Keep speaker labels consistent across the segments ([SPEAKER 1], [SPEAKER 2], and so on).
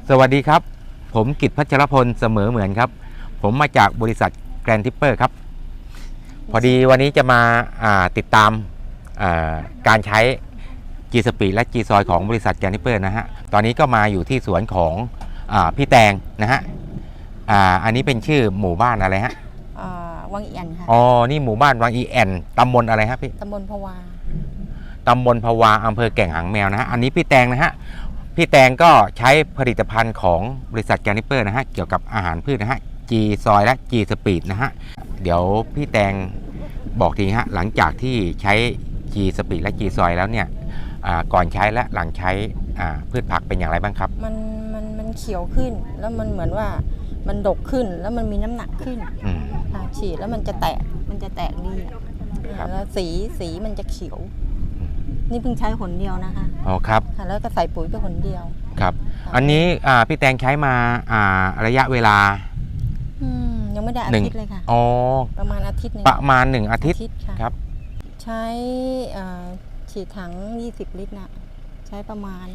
[SPEAKER 1] สวัสดีครับผมกิตพัชรพลเสมอเหมือนครับผมมาจากบริษัทแกรนทิปเปอร์ครับพอดีวันนี้จะมาติดตามการใช้ G Speed และ G Soil ของบริษัทแกรนทิปเปอร์นะฮะตอนนี้ก็มาอยู่ที่สวนของพี่แตงนะฮะอันนี้เป็นชื่อหมู่บ้านอะไรฮะ
[SPEAKER 2] วังอีแอนค่ะ
[SPEAKER 1] อ๋อนี่หมู่บ้านวังอีแอนตำบลอะไรฮะพี่
[SPEAKER 2] ตำบลพะวา
[SPEAKER 1] ตำบลพะวาอำเภอแก่งหางแมวนะฮะอันนี้พี่แตงนะฮะพี่แตงก็ใช้ผลิตภัณฑ์ของบริษัทแกรนทิปเปอร์นะฮะเกี่ยวกับอาหารพืชนะฮะ G Soil และ G Speed นะฮะเดี๋ยวพี่แตงบอกทีฮะหลังจากที่ใช้ G Speed และ G Soil แล้วเนี่ยก่อนใช้และหลังใช้พืชผักเป็นอย่างไรบ้างครับ
[SPEAKER 2] มันเขียวขึ้นแล้วมันเหมือนว่ามันดกขึ้นแล้วมันมีน้ำหนักขึ้นฉีดแล้วมันจะแตกดีแล้วสีมันจะเขียวนี่เพิ่งใช้หนเดียวนะคะ
[SPEAKER 1] อ๋อครับ
[SPEAKER 2] แล้วก็ใส่ปุ๋ยไปหนเดียว
[SPEAKER 1] ครับอันนี้พี่แตงใช้มาระยะเวลา
[SPEAKER 2] ยังไม่ได้อาทิตย์เลยค่ะ
[SPEAKER 1] อ๋อ
[SPEAKER 2] ประมาณอาทิตย์นึง
[SPEAKER 1] ประมาณ1 อาทิตย์ครับ
[SPEAKER 2] ใช้ฉีดถัง20 ลิตรนะใช้ประมาณ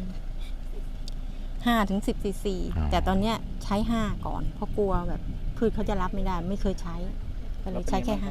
[SPEAKER 2] 5-10 ซีซีแต่ตอนนี้ใช้5ก่อนเพราะกลัวแบบพืชเขาจะรับไม่ได้ไม่เคยใช้ก็เลยใช้แค่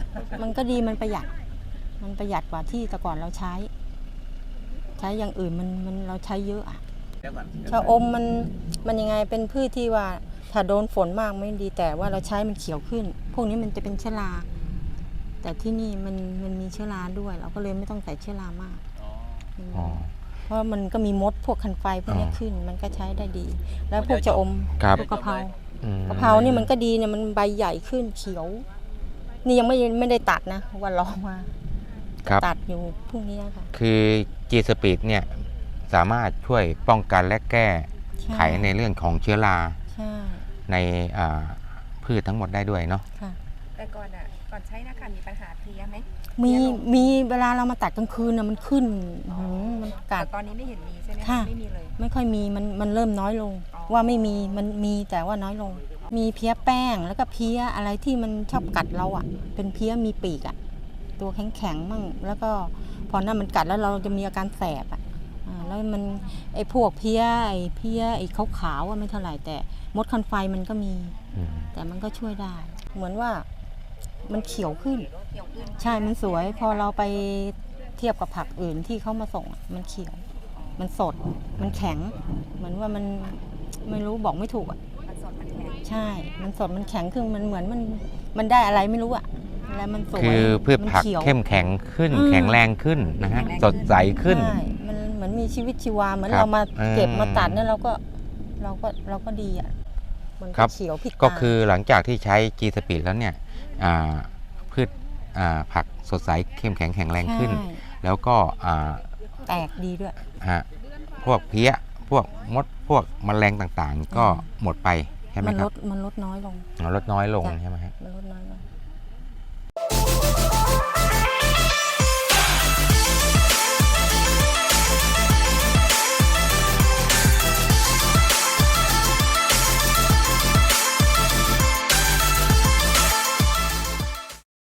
[SPEAKER 2] 5มันก็ดีมันประหยัดกว่าที่แต่ก่อนเราใช้อย่างอื่นมันเราใช้เยอะชะอมมันยังไงเป็นพืชที่ว่าถ้าโดนฝนมากไม่ดีแต่ว่าเราใช้มันเขียวขึ้นพวกนี้มันจะเป็นเชื้อราแต่ที่นี่มันมีเชื้อราด้วยเราก็เลยไม่ต้องใส่เชื้อรามากเพราะมันก็มีมดพวกคันไฟพวกนี้ขึ้นมันก็ใช้ได้ดีแล้วพวกชะอมพวกกะเพรานี่มันก็ดีเนี่ยมันใบใหญ่ขึ้นเขียวนี่ยังไม่ได้ตัดนะวันรอมาตัดอยู่พรุ่งนี้ค่ะ
[SPEAKER 1] คือ G Speed เนี่ยสามารถช่วยป้องกันและแก้ไขในเรื่องของเชื้อราในพืชทั้งหมดได้ด้วยเนาะ
[SPEAKER 3] แต่ก่อนใช้นะคะมีปัญหาเพลี้ยไหม
[SPEAKER 2] มีเวลาเรามาตัดกลางคืนน่ะมันขึ้นมันกัด
[SPEAKER 3] ตอนนี้ไม่เห็นมีใช่ไหมไม่มีเลย
[SPEAKER 2] ไม่ค่อยมีมันเริ่มน้อยลงว่าไม่มีมันมีแต่ว่าน้อยลงมีเพี้ยแป้งแล้วก็เพี้ยอะไรที่มันชอบกัดเราเป็นเพี้ยมีปีกตัวแข็งมั่งแล้วก็พอนั้นมันกัดแล้วเราจะมีอาการแสบแล้วมันไอ้พวกเพี้ยไอ้ขาวๆไม่เท่าไหร่แต่มดคันไฟมันก็มีแต่มันก็ช่วยได้เหมือนว่ามันเขียวขึ้นใช่มันสวยพอเราไปเทียบกับผักอื่นที่เขามาส่งมันเขียวมันสดมันแข็งเหมือนว่ามันไม่รู้บอกไม่ถูกใช่มันสดมันแข็งคือมันเหมือนมันได้อะไรไม่รู้อะไรมันสวย
[SPEAKER 1] คือพืชผักเข้มแข็งขึ้นแข็งแรงขึ้นนะฮะสดใสขึ้น
[SPEAKER 2] มันเหมือนมีชีวิตชีวาเหมือนเรามาเก็บมาตัดเนี่ยเราก็ดีมันเขียวผิด
[SPEAKER 1] ก็คือหลังจากที่ใช้ G Speed แล้วเนี่ยพืชผักสดใสเข้มแข็งแข็งแรงขึ้นแล้วก็
[SPEAKER 2] แตกดีด้วย
[SPEAKER 1] พวกเพี้ยพวกมดพวกแมลงต่างๆก็หมดไปใช่ไหมครับ
[SPEAKER 2] มันลดน้อยลง
[SPEAKER 1] ลดน้อยลงใช่ไหมครับ
[SPEAKER 2] มันลดน้อยลง